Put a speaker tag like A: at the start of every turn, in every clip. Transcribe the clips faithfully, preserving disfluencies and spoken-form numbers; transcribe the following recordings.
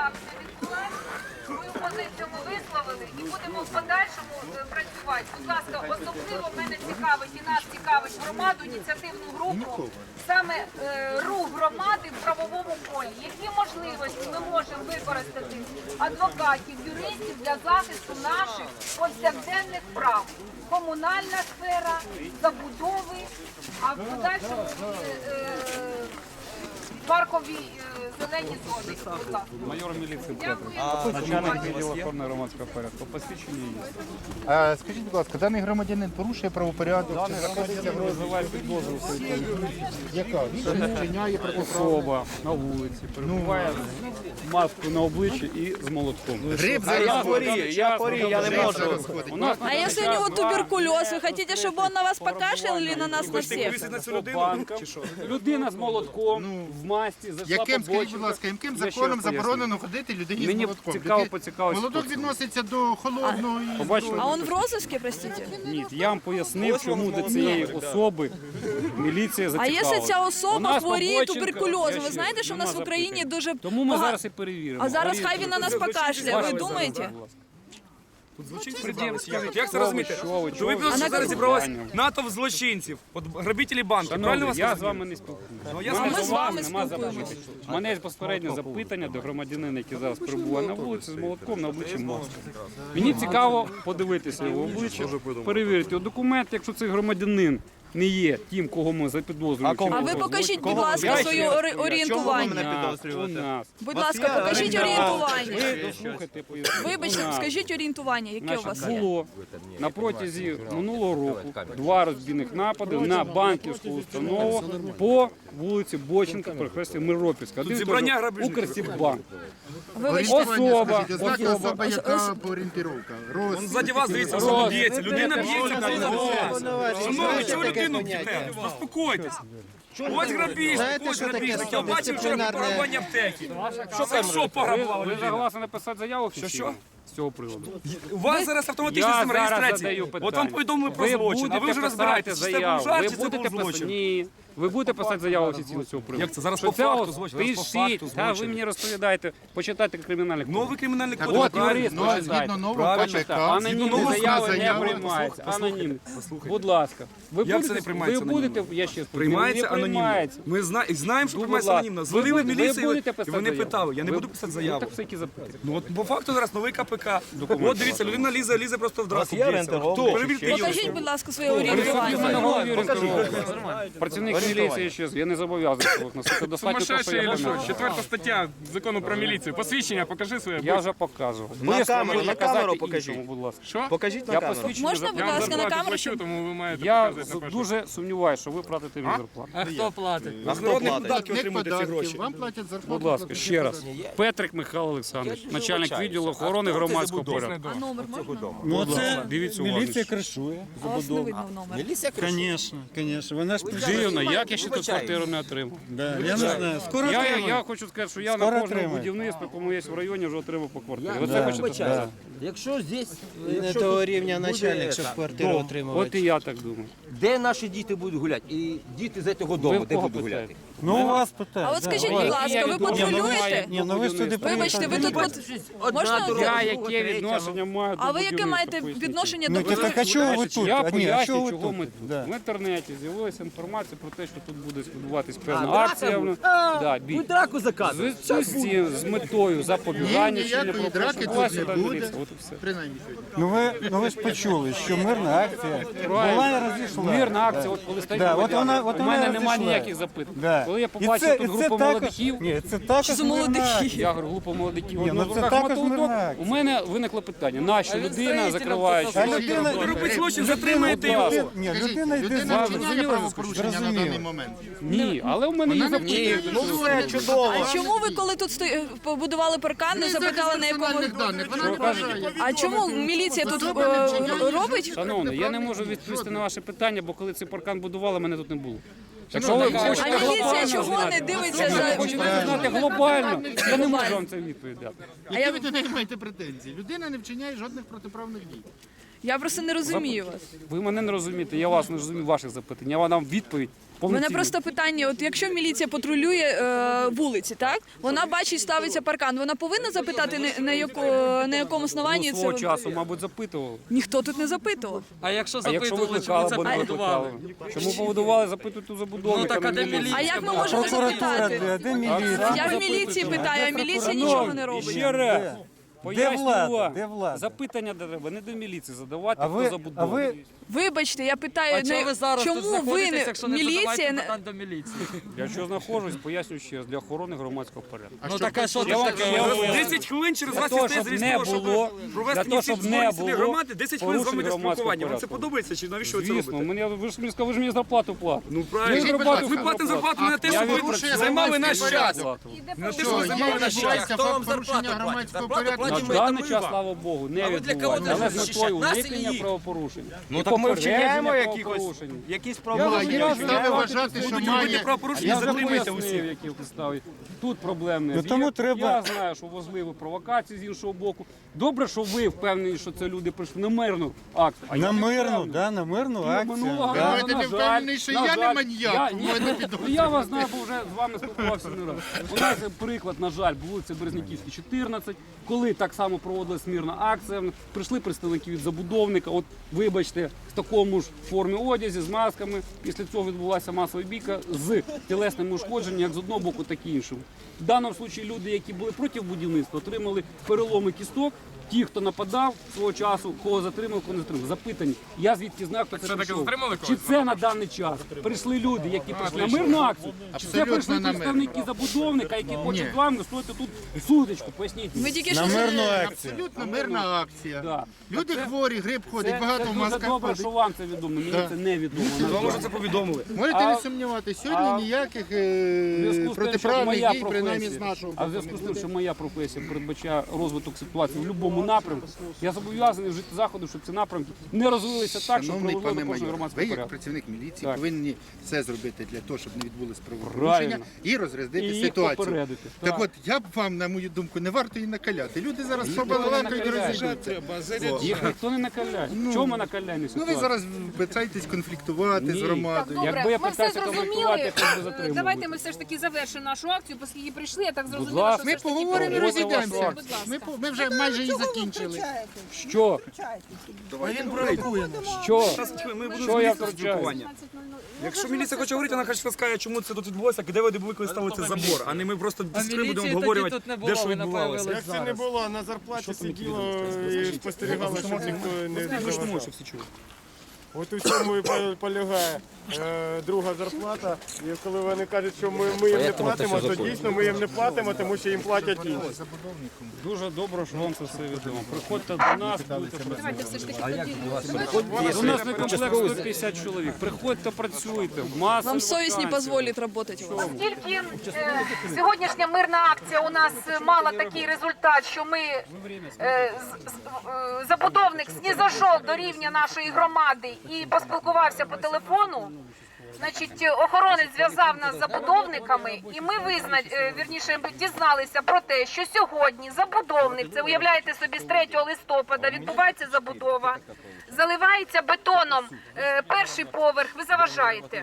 A: не відбулася. Мою позицію ми висловили і будемо в подальшому е, працювати. Будь ласка, особливо мене цікавить і нас цікавить громаду, ініціативну групу, саме е, рух громади в правовому полі. Які можливості ми можемо використати адвокатів, юристів для захисту наших повсякденних прав? Комунальна сфера, забудови, а в подальшому е, е, паркові е, зелені зони. Будь ласка.
B: Майор міліції
A: Дякую.
B: начальник відділу охорони громадського порядку. Посвідчення є.
C: А, скажіть, будь ласка, даний громадянин порушує правопорядок?
B: Даний громадянин визиває підозру,
C: Яка? Він вчиняє
B: особа на вулиці, перебуває з маскою на обличчі і з молотком.
C: Гриб
B: А я хворію, я хворію, я не можу.
C: розходить.
B: У нас
D: А если у него туберкулез, вы хотите, чтобы он на вас покашлял или на нас на всех?
B: людина з молотком в масці, зайшла
C: Яким,
B: по
C: скажіть, будь
B: бочинках.
C: ласка, яким
B: Я ще
C: законом
B: раз поясню.
C: заборонено ходити людині
B: Мені
C: з молотком?
B: цікаво
C: Люди-
B: поцікавитися,
C: Молоток
B: хто це.
C: відноситься до холодного і...
B: Побачили?
D: А он в розыске, простите?
B: Ні, я вам пояснив, чому до цієї особи міліція
D: А
B: зацікавилася.
D: якщо ця
B: У
D: особа
B: нас
D: хворіє
B: побочинка-
D: туберкульозом?
B: Я
D: Ви
B: ще-
D: знаєте, що в нас в
B: нема
D: Україні
B: запитань.
D: дуже
B: Тому ми
D: багато...
B: зараз і перевіримо.
D: А зараз
B: Хворіє
D: хай він на нас покашляє, ви
B: Ваше
D: думаєте?
B: будь ласка.
E: Як, як це розуміти?
B: Що ви,
E: Що ви
B: чого ви?
E: просто
D: А
E: зараз
D: на
E: зібралось
B: питання?
E: натовп злочинців, от грабителі банки. Правильно
B: Шановні,
E: вас
B: я з
E: розумію?
B: вами не спілкуюся.
E: Ну, я
D: А
E: знаю,
D: ми
E: що
D: з
E: вам
D: вами
B: Нема
D: спілкуємося.
B: запитань. У мене є безпосереднє запитання до громадянина, який зараз перебуває на вулиці з молотком на обличчі маски. Мені цікаво подивитися його обличчя, перевірити його документ, якщо цей громадянин не є тим, кого ми запідозрюємо.
D: А ви покажіть, будь ласка,
B: Я
D: своє
B: ще раз
D: ори- орієнтування.
B: У нас.
D: Будь ласка, покажіть орієнтування.
B: Ви дослухайте, поясню.
D: Вибачте,
B: У нас.
D: скажіть орієнтування, яке у вас
B: Значить,
D: є.
B: було на протязі минулого року два розбійних напади на банківську установу по вулиці Боченка, перехресті Миропільська. Один
E: зібрання
B: той же
E: грабіжників.
B: Укрсіббанк.
D: Вибачте,
B: Особа,
C: Скажіть, ознаки
B: особа.
C: особа, яка орієнтировка? Рост.
E: Он ззаді вас, дивіться, особа б'ється. Людина б'ється на вас. Шановні, чого людину б'єте? Заспокойтесь. Ось грабіжник, ось грабіжник. Я бачив вчора пограбування аптеки. Що там, що
B: Ви,
E: пограбували
B: ви
E: людину?
B: согласні написати заяву офіційно?
E: що?
B: З цього приводу.
E: У вас зараз автоматична
B: Я
E: система
B: зараз
E: реєстрації.
B: задаю питання.
E: От вам повідомили про
B: Ви
E: злочин, а ви
B: будете
E: вже
B: писати
E: розбираєтесь, чи це був
B: заяву.
E: жарт,
B: Ви
E: чи це
B: будете
E: був
B: писати?
E: злочин.
B: Ні. Ви будете писати заяву офіційно з цього приводу?
E: Як це? Зараз
B: Що
E: по
B: це
E: факту
B: ос-
E: злочин, зараз по
B: Пишіть,
E: факту
B: та ви
E: злочин.
B: мені розповідаєте, почитайте кримінальний кодекс.
E: Новий кримінальний
C: Так
E: кодекс.
B: От юрист,
C: Ну,
B: почитайте.
C: згідно нового
E: Правильно.
C: КПК,
B: Анонімні
E: нового
B: заяви не
C: заяви-
B: приймаються. Анонімні.
E: Послухайте.
B: Будь ласка. Ви
E: Як
B: будете,
E: це не приймається
B: ви будете,
E: анонімно?
B: я ще спитаю,
E: Приймається
B: не
E: анонімно.
B: приймається.
E: Ми зна- знаємо, що
B: Ну,
E: приймається
B: будь ласка.
E: анонімно.
B: Ви
E: Звонили в
B: будете-
E: міліцію,
B: ви будете
E: і
B: писати
E: вони
B: заяву?
E: питали. Я не
B: Ви-
E: буду писати
B: Ну
E: заяву.
B: так все які запитання.
E: Ну от по факту зараз новий КПК.
B: Документи
E: От дивіться, людина лізе, лізе просто в драку. б'ється. Хто? Перевірте її.
D: Покажіть, будь ласка, своє орієнтування.
B: Працівник міліції ще, я не зобов'язаний цього носити. Достатньо того, що я пам'ятаю.
F: Четверта стаття закону про міліцію. Посвідчення, покажи своє.
B: Я вже показував.
G: На
B: Ви
G: камеру,
B: можете
G: на
B: казати
G: камеру
B: іншому,
G: покажіть.
B: будь ласка.
F: Що?
G: Покажіть на
B: Я
G: камеру.
B: посвідчення
D: Можна,
B: за-
D: будь
F: Я вам
D: ласка, на
F: зарплату
D: камеру?
F: плачу,
D: щоб-
F: тому ви маєте
B: Я
F: показати на першу.
B: дуже сумніваюся, що ви платите мені зарплату.
G: А хто
E: Народні
G: платить?
E: податки
C: Платник
E: отримуєте ці
C: податків,
E: гроші.
C: вам платять зарплату.
B: Будь ласка,
C: платники
B: ще раз.
C: податків.
B: Петрик Михайло Олександрович, начальник відділу охорони громадського порядку.
D: А номер можна?
H: Ну це
B: Дивіться
H: міліція
B: уважніше.
H: кришує
D: А вас не
H: забудову.
D: видно в номер.
G: Міліція кричить.
H: Звісно, звісно. Вона ж
B: Дивно, як я ще тут квартиру не отримав.
H: Да, я не знаю. Скоро
B: Я, я,
H: отримаю.
B: я хочу сказати, що я
H: Скоро
B: на кожному
H: отримаю.
B: будівництві, якому є в районі, вже отримав по квартирі. Оце
H: Да.
B: хочете сказати?
G: Якщо здесь
I: Не
G: якщо
I: того
G: тут
I: рівня
G: буде
I: начальник, щоб
G: це,
I: квартиру
B: От
I: отримувати.
B: і я так думаю.
G: де наші діти будуть гуляти? І діти з цього
B: Ви
G: дому,
B: в
G: де
B: кого
G: будуть гуляти?
B: питаєте?
H: Ну, у вас питання.
D: А от скажіть,
H: да.
D: будь
B: Ні,
D: ласка,
B: я
D: ви
B: не думаю,
D: патрулюєте?
H: Ні, ну ви ж туди
D: Вибачте, ви тут пат- можна
B: Я яке відношення маю до
D: А ви яке
B: будівництва,
D: маєте
B: поясніть?
D: відношення
H: Ну,
D: до
H: так а чого ви
B: Значить,
H: тут?
B: Я
H: А ні, а
B: поясню,
H: чого ви
B: чого
H: тут?
B: ми тут.
H: Да.
B: В інтернеті з'явилася інформація про те, що тут буде відбуватись певна акція. ну, Да, бій.
G: Ви драку
B: З,
G: заказуєте.
B: з, з, з метою запобігання
C: Ні,
B: чинення
C: ніякої драки
B: правопорушення.
C: тут не буде.
B: Дивіться, от і все.
C: Принаймні сьогодні.
H: Ну ви, ну ви ж почули, що мирна акція була і розійшла.
B: Мирна акція, от коли стоїть
H: Да, от
B: громадяни,
H: вона- от
B: у
H: вона
B: мене
H: розійшла.
B: немає ніяких запитань.
H: Да.
B: Коли я
H: І
B: побачив
H: це-
B: тут
H: і це
B: групу
H: також-
B: молодиків,
H: Ні, це також
D: Що за
H: мирна
D: молодики?
H: акція.
B: я говорю, група молодиків,
H: Ні,
B: одного
H: ну
B: в
H: це
B: руках
H: також
B: мотовдок,
H: мирна акція.
B: у мене виникло питання, нащо людина, закриваючи...
H: А людина,
E: Ви робите злочин,
B: Будь
E: затримаєте
B: ласка.
E: його.
H: ні,
C: Скажіть,
H: людина йде
C: людина
H: за
C: вчиняє
B: зрозуміло,
C: правопорушення на
H: зрозуміло.
C: даний момент.
B: Ні, але у мене є
C: Вона не
B: запитання.
C: вчиняє.
G: чудово.
D: А чому ви, коли тут сто- побудували паркан, не запитали, на якому...
C: персональних даних, вона не бажає.
D: А чому міліція тут
C: Особа не
D: е,
C: вчиняє
D: робить?
B: Шановний, я не можу відповісти на ваше питання, бо коли цей паркан будували, мене тут не було. Якщо ви
D: А
B: хочете
D: міліція
B: глобально
D: чого
B: знати,
D: не дивиться
B: якщо ви
D: за...
B: хочете знати глобально, я не можу вам це відповідати.
C: Які ви до неї маєте претензії? Людина не вчиняє жодних протиправних дій.
D: Я просто не розумію вас.
B: Ви мене не розумієте, я вас не розумію, ваших запитань. Я вам дам відповідь.
D: У мене
B: повноцінну.
D: просто питання: от якщо міліція патрулює е, вулиці, так вона бачить, ставиться паркан. Вона повинна запитати на, на, яко, на якому основанні
B: Ну,
D: це
B: свого
D: ви-
B: часу, мабуть, запитували.
D: ніхто тут не запитував.
E: А якщо
B: А якщо
E: запитували, чому
B: викликали,
E: це
B: бо не
E: побудували?
B: викликали? Чому побудували, запитують у забудовника.
E: Ну, так, а
B: не
E: де
B: міліцію.
E: міліція?
D: А як ми
E: була?
D: можемо
H: Прокуратура,
D: запитати?
H: де, де міліція?
D: Я в міліції питаю, а міліція нічого не робить.
B: Ще раз. Пояснюю
H: влада?
B: вам.
H: Де влада?
B: Запитання треба не до міліції задавати,
H: А
B: хто
H: ви, а
B: забудовує.
H: ви
D: Вибачте, я питаю,
E: А чого
D: не-
E: ви зараз тут
D: чому ви
E: знаходитесь,
D: не
E: якщо не
D: міліція
E: задавайте
D: не
E: питань до міліції?
B: Я що знаходжусь, пояснюю ще раз, для охорони громадського порядку.
E: Ну так а що
B: Я
E: це
B: вам-
E: таке?
B: я вам-
E: десять хвилин через
B: Для
E: вас
B: того,
E: істе
B: щоб
E: зріз
B: не
E: того, щоб
B: було,
E: провести
B: для того, щоб
E: місяць
B: не
E: зборів
B: було
E: громади, десять хвилин з вами для
B: порушень громадського
E: спілкування. Вам це
B: порядку.
E: подобається чи навіщо ви це
B: Звісно,
E: робите?
B: мені, ви ж мені сказали, ви ж мені зарплату платите.
E: Ну
B: Ми
E: правильно.
B: зарплату
E: Ми платимо зарплату не на те,
B: Я
E: щоб ви
B: відпрацював
E: займали наш
B: громадський
E: час.
B: порядок.
E: Не на те,
C: Що,
E: щоб ви
C: є
E: займали наш час.
C: відбувається факт порушення громадського порядку?
B: На даний час, слава Богу, не відбувається. Але з метою уникнення правопорушень.
G: Ну
B: І
G: так ми
B: попередження
G: вчиняємо якихось,
B: правопорушень.
G: якісь
B: Я
G: правила.
B: вам
C: є
B: пояснюю,
C: підстави
B: я
C: вважати, що
E: Будуть
C: має-
E: робити правопорушення,
B: Я
E: затримайте
B: пояснив,
E: усіх.
B: які підстави. Тут проблем не
H: Ну, тому
B: є.
H: треба-
B: Я знаю, що можливі провокації з іншого боку. Добре, що ви впевнені, що це люди прийшли на мирну акцію. А я
H: на
B: не
H: мирну,
B: впевнений.
H: да, на мирну
B: Ну,
H: акцію.
B: минулого
H: да.
B: разу,
C: Давайте
B: на
C: не
B: жаль,
C: впевнений, що
B: на
C: я не
B: жаль,
C: маніяк,
B: я-
C: тому я не
B: ні,
C: підозрюю.
B: ну, Я вас знаю, бо вже з вами спілкувався не раз. У нас, приклад, на жаль, вулиця Березняківська, чотирнадцять, коли так само проводилась мирна акція, прийшли представники від забудовника, от вибачте, в такому ж формі одязі, з масками. Після цього відбулася масова бійка з тілесними ушкодженнями, як з одного боку, так і іншого. В даному випадку люди, які були проти будівництва, отримали переломи кісток. Ті, хто нападав свого часу, кого затримав, кого не затримав. Запитані. Я звідки знаю, хто це
F: таки
B: прийшов.
F: затримали
B: Чи
F: когось?
B: це на даний час прийшли люди, які прийшли на мирну акцію? Чи це
C: Абсолютно
B: прийшли
C: на мирну.
B: представники забудовника, які хочуть з вами стоїти тут сутичку? Поясніть.
D: Ми
B: мені.
D: тільки
H: На
D: що
H: мирну
C: Це
H: акцію.
C: абсолютно мирна акція.
B: Да.
C: Люди
B: Це-
C: хворі, грип ходить,
B: Це,
C: багато
B: це
C: в
B: дуже
C: масках
B: добре,
C: ходить.
B: що вам це відомо. Мені
C: Да.
B: це не відомо. на
E: Вам
B: жаль.
E: вже це повідомили.
C: Можете
B: А-
C: не сумніватися, сьогодні
B: а-
C: ніяких
B: В
C: е,
B: зв'язку з тим, що
C: протиправних
B: моя
C: дій, принаймні з
B: професія,
C: нашого
B: а в
C: боку,
B: зв'язку з
C: не
B: тим,
C: буде.
B: що моя професія передбачає розвиток ситуації в будь-якому напрямку, я зобов'язаний вжити заходи, щоб ці напрямки не розвилися так, щоб
C: Шановний
B: привело
C: пане
B: до порушення
C: майор, ви
B: громадського
C: як
B: порядку.
C: працівник міліції
B: Так.
C: повинні все зробити для того, щоб не відбулось правопорушення
B: Правильно.
C: і розрядити
B: І їх
C: ситуацію.
B: попередити.
C: Так
B: Так.
C: от, я б вам, на мою думку, не варто її накаляти. Люди зараз
B: ніхто не
C: побалакають і
B: накаляє.
C: розійдуться.
B: Їх ніхто не накаляє. В чому накаляння
C: Ну
B: ситуації?
C: ви зараз питаєтесь конфліктувати
B: Ні.
C: з
A: Так,
C: громадою.
A: добре,
B: Якби я
A: ми все
B: питався конфліктувати,
A: зрозуміли.
B: я б би затримав.
A: Давайте ми все ж таки завершимо нашу акцію, оскільки прийшли, я так зрозуміла,
B: ласка.
A: що
C: Ми
A: все ж таки
C: поговоримо і
B: проводимо
C: розійдемося.
B: вашу
A: Будь ласка.
C: Ми, по- ми вже майже її закінчили.
B: Що?
E: Він провокує.
B: Що?
E: Ми будемо
B: Що я
E: змінити
B: втручаюсь?
E: спілкування. Якщо міліція хоче говорити, вона хай скаже, чому це тут відбулося, де ви були, коли ставили цей забор, а не ми просто без три будемо обговорювати, де що відбувалося.
F: Як це не було, на зарплаті сиділо і спостерігало, щоб ніхто не
E: Ви ж не можете,
F: заважав.
E: щоб всі чули.
F: От у цьому і по- полягає е, друга зарплата. І коли вони кажуть, що ми, ми їм не платимо, то дійсно ми їм не платимо, тому що їм платять інші.
B: Дуже добре, що вам це все відомо. Приходьте до нас, будете працювати.
A: Давайте все ж таки поділимося.
B: У нас не комплект сто п'ятдесят чоловік. Приходьте, працюйте. Маса
D: вам совість не
B: вакансій.
D: дозволить работать у вас.
A: Оскільки е, сьогоднішня мирна акція у нас е, мала такий результат, що ми е, з- з- е, забудовник снізошов до рівня нашої громади і поспілкувався по телефону. Значить, охоронець зв'язав нас з забудовниками, і ми визна... е, вірніше дізналися про те, що сьогодні забудовник, це уявляєте собі, з третього листопада відбувається забудова, заливається бетоном е, перший поверх, ви заважаєте.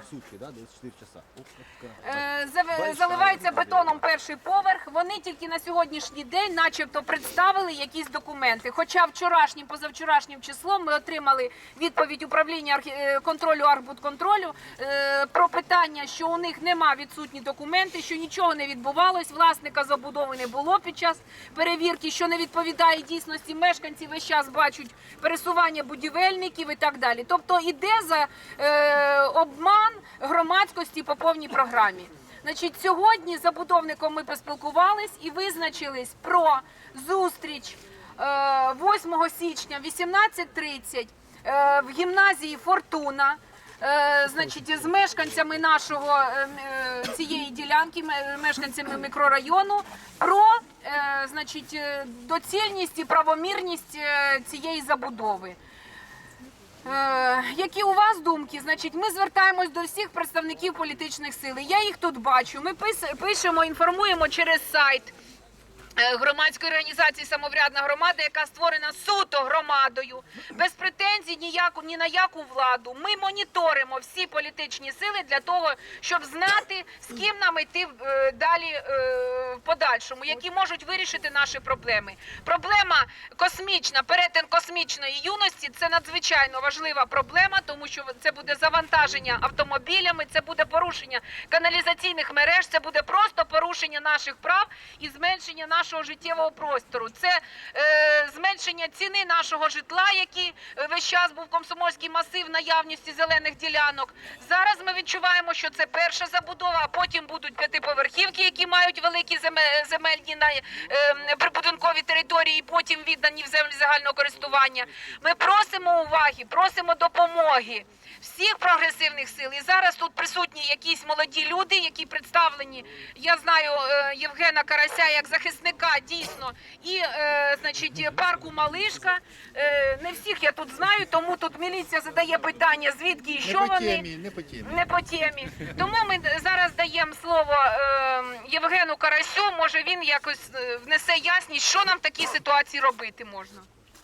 A: Е, зав- Заливається бетоном перший поверх. Вони тільки на сьогоднішній день, начебто, представили якісь документи. Хоча вчорашнім, позавчорашнім числом ми отримали відповідь управління архі- е, контролю Архбудконтролю е, про питання, що у них нема відсутні документи, що нічого не відбувалось, власника забудови не було під час перевірки, що не відповідає дійсності. Мешканці весь час бачать пересування будівельників і так далі. Тобто іде за е, обман громадськості по повній програмі. Значить, сьогодні з забудовником ми поспілкувались і визначились про зустріч е, восьмого січня вісімнадцять тридцять е, в гімназії «Фортуна». Е, значить, з мешканцями нашого е, е, цієї ділянки, ме- мешканцями мікрорайону, про е, значить, е, доцільність і правомірність е, цієї забудови. Е, які у вас думки? Значить, ми звертаємось до всіх представників політичних сил. Я їх тут бачу. Ми пис- пишемо, інформуємо через сайт. громадської організації «Самоврядна громада», яка створена суто громадою, без претензій ніяку, ні на яку владу. Ми моніторимо всі політичні сили для того, щоб знати, з ким нам йти е, далі е, в подальшому, які можуть вирішити наші проблеми. Проблема космічна, перетин космічної юності – це надзвичайно важлива проблема, тому що це буде завантаження автомобілями, це буде порушення каналізаційних мереж, це буде просто порушення наших прав і зменшення нашого нашого життєвого простору. Це е, зменшення ціни нашого житла, який весь час був комсомольський масив наявності зелених ділянок. Зараз ми відчуваємо, що це перша забудова, а потім будуть п'ятиповерхівки, які мають великі земельні на, е, прибудинкові території, і потім віддані в землі загального користування. Ми просимо уваги, просимо допомоги всіх прогресивних сил. І зараз тут присутні якісь молоді люди, які представлені, я знаю Євгена Карася як захисника дійсно, і е, значить, парку Малишка. Е, не всіх я тут знаю, тому тут міліція задає питання, звідки і що
C: не по
A: вони.
C: темі, не по темі.
A: Не по темі. Тому ми зараз даємо слово е, Євгену Карасю, може він якось внесе ясність, що нам в такій ситуації робити можна.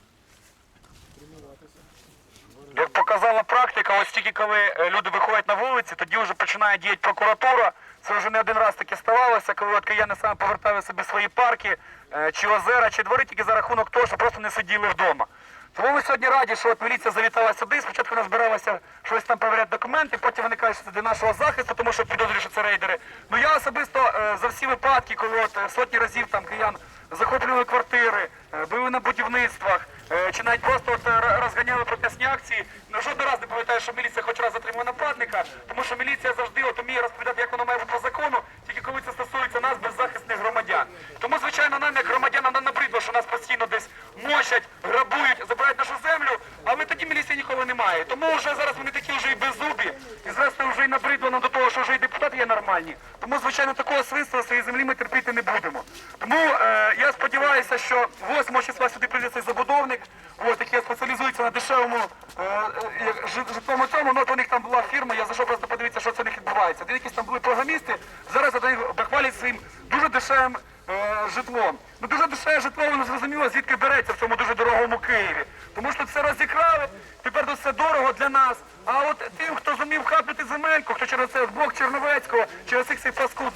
I: Як показала практика, ось тільки коли люди виходять на вулиці, тоді вже починає діяти прокуратура. Це вже не один раз таке ставалося, коли от кияни саме повертали собі свої парки, чи озера, чи двори тільки за рахунок того, що просто не сиділи вдома. Тому ми сьогодні раді, що от міліція завітала сюди, спочатку вона збиралася щось там перевіряти документи, потім вони кажуть, що це для нашого захисту, тому що підозрюють, що це рейдери. Ну я особисто за всі випадки, коли от сотні разів там киян захоплювали квартири, були на будівництвах, чи навіть просто от розганяли протестні акції, ну жоден раз не пам'ятаю, що міліція хоч раз затримує нападника, тому що міліція завжди от уміє розповідати, як воно має бути по закону, тільки коли це стосується нас, беззахисних громадян. Тому, звичайно, нам, як громадянам, нам набридло, що нас постійно десь мочать, грабують, забирають нашу землю, але тоді міліції ніколи немає. Тому вже зараз вони такі вже і беззубі, і зрештою вже і набридло нам до того, що вже і депутати є нормальні. Тому, звичайно, такого свинства своєї землі ми терпіти не будемо. Тому е, я сподіваюся, що восьмого числа сюди прийде цей забудовник, ось, який спеціалізується на дешевому е, е, житловому цьому, ну от у них там була фірма, я зайшов просто подивитися, що це у них відбувається. Де якісь там були програмісти, зараз вони бахвалять своїм дуже дешевим е, житлом. Ну дуже дешеве житло, воно зрозуміло, звідки береться в цьому дуже дорогому Києві. Тому що це розікрали, тепер це все дорого для нас. А от тим, хто зумів хапнути земельку, хто через це блок Черновецького, через цих цей паскуд